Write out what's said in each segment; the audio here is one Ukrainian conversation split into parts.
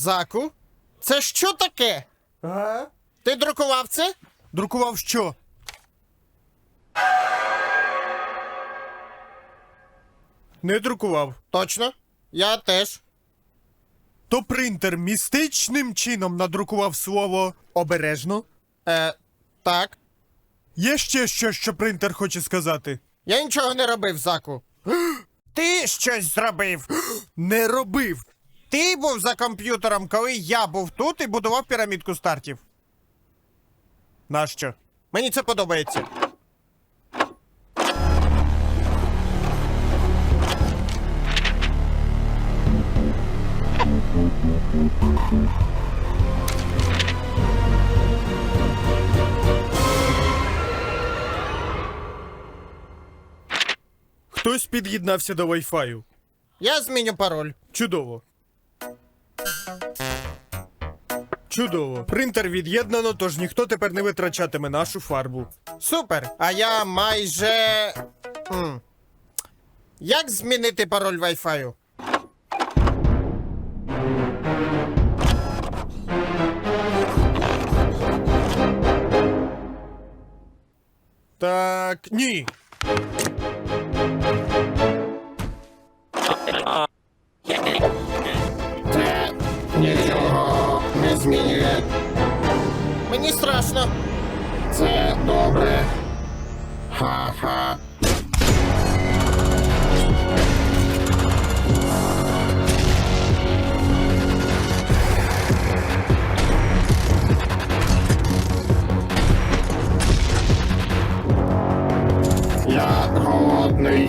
Заку? Це що таке? Ага. Ти друкував це? Друкував що? Не друкував. Точно? Я теж. То принтер містичним чином надрукував слово «обережно». Так. Є ще щось, що принтер хоче сказати? Я нічого не робив, Заку. Ти щось зробив. Не робив. Ти був за комп'ютером, коли я був тут і будував пірамідку стартів. Нащо? Мені це подобається. Хтось під'єднався до Wi-Fi. Я зміню пароль. Чудово. Чудово. Принтер від'єднано, тож ніхто тепер не витрачатиме нашу фарбу. Супер. А я майже... Як змінити пароль Wi-Fi? Так, ні. Це нічого не змінює. Мені страшно. Це добре. Ха-ха. Я голодний.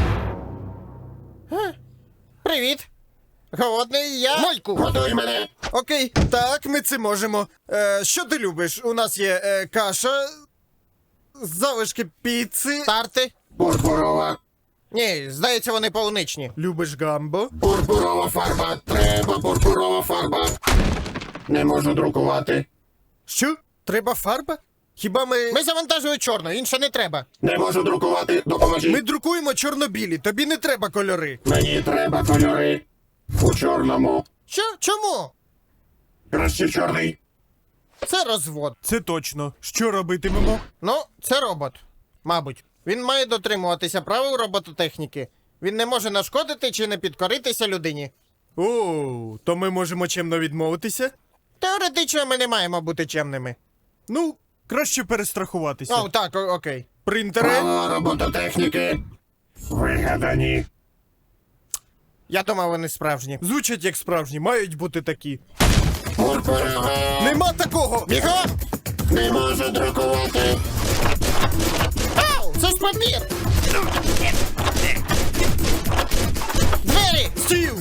Привіт. Голодний я. Майку! Годуй мене. Окей, так, ми це можемо. Що ти любиш? У нас є каша, залишки піци. Старти? Пурпурова. Ні, здається, вони полуничні. Любиш гамбо? Пурпурова фарба. Треба пурпурова фарба. Не можу друкувати. Що? Треба фарба? Хіба Ми завантажили чорну, інше не треба. Не можу друкувати. Допоможіть. Ми друкуємо чорно-білі, тобі не треба кольори. Мені треба кольори. У чорному. Що? Чому? Краще чорний. Це розвод. Це точно. Що робитимемо? Ну, це робот. Мабуть. Він має дотримуватися правил робототехніки. Він не може нашкодити чи не підкоритися людині. О, то ми можемо чемно відмовитися? Теоретично ми не маємо бути чемними. Ну, краще перестрахуватися. О, так, окей. Принтери? Право робототехніки. Вигадані. Я думав, вони справжні. Звучать як справжні, мають бути такі. Пурпурова. Нема такого! Бігом! Не можу друкувати. Ау! Це ж папір! Двері! Стіл!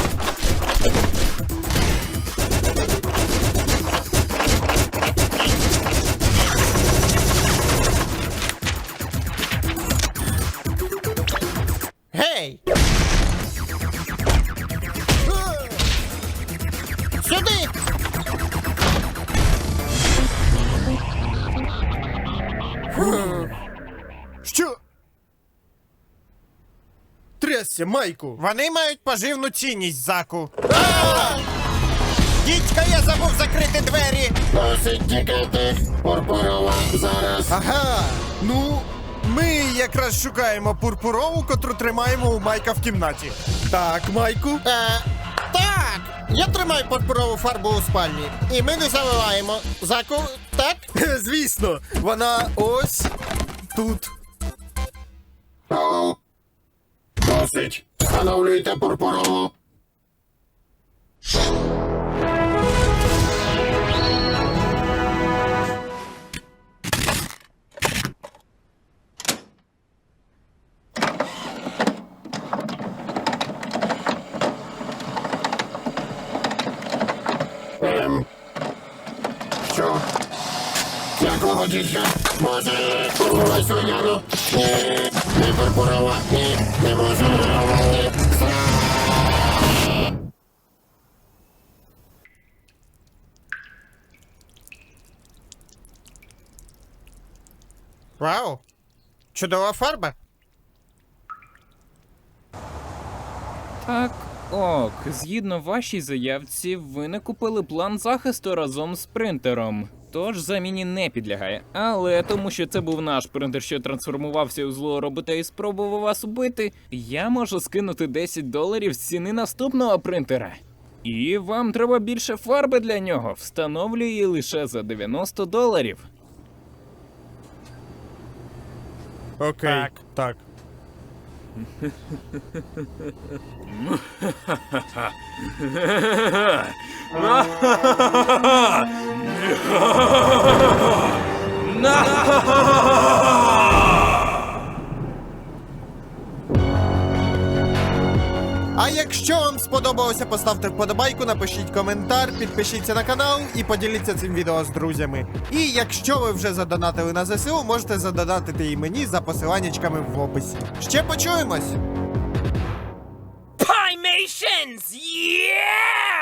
Гей! Сюди! Що? Трясся, Майку! Вони мають поживну цінність, Заку. Дідька, я забув закрити двері! Досить тікати. Пурпурова зараз. Ага, ну, ми якраз шукаємо пурпурову, котру тримаємо у Майка в кімнаті. Так, Майку? Так! Я тримаю пурпурову фарбу у спальні. І ми не заливаємо. Заку, так? Звісно, вона ось тут. Алло. Досить. Встановлюйте пурпурову. Що? Якого дідька? Може, пурпурова свиняну? Ні, не пурпурова. Ні, не можу друкувати. Вау! Чудова фарба. Так, Ок, згідно вашій заявці, ви не купили план захисту разом з принтером. Тож заміні не підлягає. Але тому, що це був наш принтер, що трансформувався у злого робота і спробував вас убити, я можу скинути $10 з ціни наступного принтера. І вам треба більше фарби для нього. Встановлю її лише за $90. Окей. Так. А якщо вам сподобалося, поставте вподобайку, напишіть коментар, підпишіться на канал і поділіться цим відео з друзями. І якщо ви вже задонатили на ЗСУ, можете задонатити і мені за посиланнячками в описі. Ще почуємось! Pimations! Yeah!